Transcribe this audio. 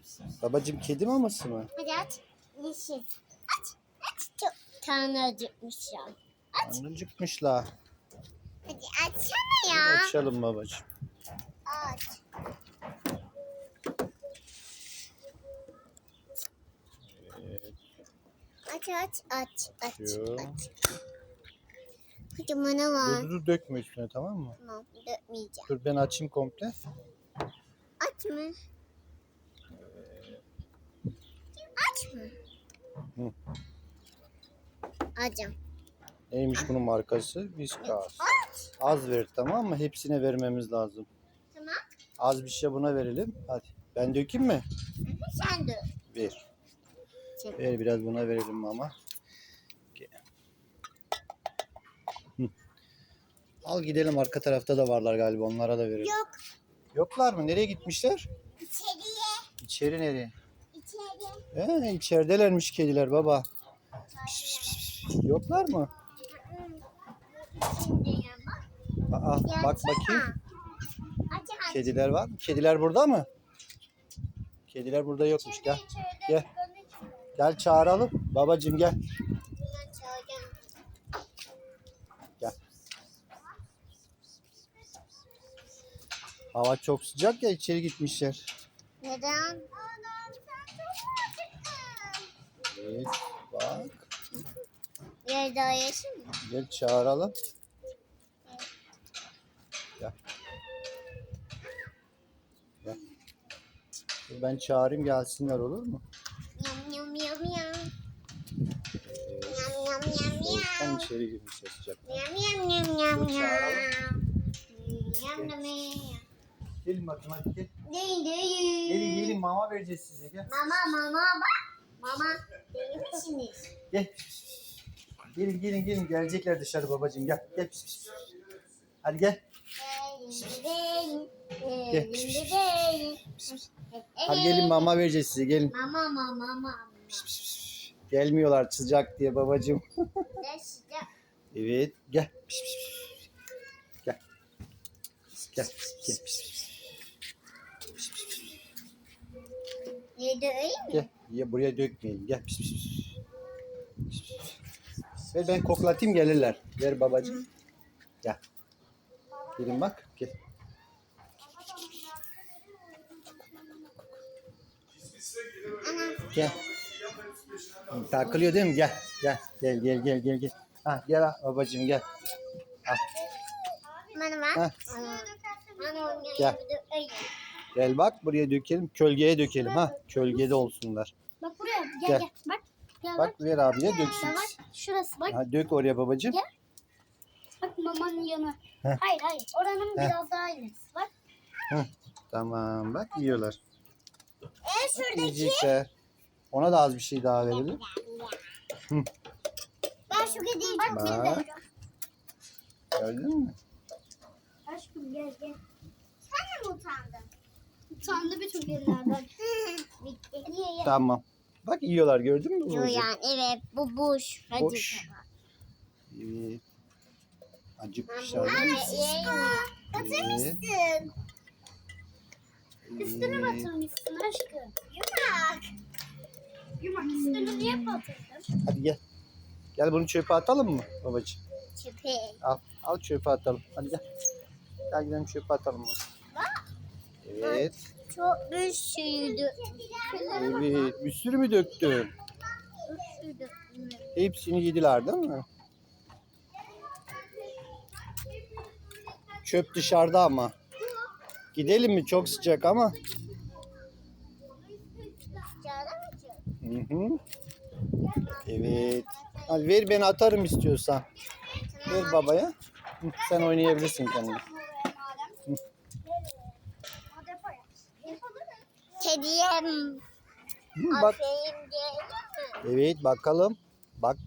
Babacığım kedi maması mı? Hadi aç. Yeşil. Aç. Aç. Çok tane acıkmışım. Aç. Acıkmışlar. Hadi açsana ya. Açalım babacığım. Aç. Evet. Aç. Açıyor. Hadi bana var. Dur dökme üstüne, tamam mı? Tamam, dökmeyeceğim. Dur ben açayım komple. Aç mı? Aç mı? Hı. Açım. Neymiş bunun markası? Whiskas. Az ver, tamam mı? Hepsine vermemiz lazım. Tamam. Az bir şey buna verelim. Hadi. Ben dökeyim mi? Sen dök. Ver. Çek. Ver biraz buna verelim ama. Hı. Al gidelim, arka tarafta da varlar galiba, onlara da verelim. Yok. Yoklar mı? Nereye gitmişler? İçeriye. İçeri nereye? İçeri. İçeridelermiş kediler baba. Yoklar mı? İçindeyim bak. Aa, bak Yatsana. bakayım. Aç. Kediler var mı? Kediler burada mı? Kediler burada yokmuş. Gel. Gel. Gel çağıralım. Babacığım gel. Gel. Hava çok sıcak ya, içeri gitmişler. Neden? Evet, bak. Bir daha yeşil mi? Gel çağıralım. Gel. Gel. Dur ben çağırayım, gelsinler, olur mu? Yam yam yam yam. Evet. Yam yam yam Soğuktan yam. içeri girmişler sıcak. Yam yam yam yam Dur yam. çağıralım. Yam yam yam. Gelin bakın, hadi gel. Değil. Gelin mama vereceğiz size, gel. Mama bak. Mama değil misiniz? Gel. Gelin gelecekler dışarı babacığım, gel. Gel. Hadi gel. Gel. Hadi gelin mama vereceğiz size, gelin. Mama. Gelmiyorlar sıcak diye babacığım. Ne sıcak. Evet, gel. Gel. Gel. Yedi öyle mi? Gel. Ya buraya dökmeyelim. Gel. Ver ben koklatayım, gelirler. Ver babacığım. Gel. Gelin bak. Gel. Gel. Takılıyor değil mi? Gel. Ha, gel babacığım, gel. Bana bak. Ha. Bana Gel. Gel bak, buraya dökelim. Kölgeye dökelim ha. Kölgede olsunlar. Bak buraya gel Gel. gel. Bak. Gel Bak ver abiye döksün. Bak şurası bak. Ha, dök oraya babacığım. Gel. Bak mamanın yanı. Heh. Hayır. Oranın biraz daha ilerisi. Bak. Tamam, bak yiyorlar. Şuradaki. Yiyecekler. Ona da az bir şey daha verelim. Ben şu kediyi çok Bak. seviyorum. Gördün mü? Aşkım gel. Sen de mi utandın? Utandı bütün kedilerden. Bitti. Niye? Tamam. Bak yiyorlar, gördün mü Yo babacığım? yani evet bu boş. Hadi. Boş. Evet. Acıkmışlar. Batırmışsın. Üstüne batırmışsın aşkım. Yumak üstünü niye batırdın? Hadi gel. Gel bunu çöpe atalım mı babacığım? Çöpe. Al çöpe atalım. Hadi gel. Gel gidelim çöpe atalım. Evet. Çok bir şeydi. Evet. Bir sürü mü döktün? Hepsini yediler değil mi? Çöp dışarıda ama. Gidelim mi? Çok sıcak ama. Hı. Evet. Hadi ver, ben atarım istiyorsan. Ver babaya. Sen oynayabilirsin kendin. Kediye Bak. aferin diyelim mi? Evet bakalım. Bak.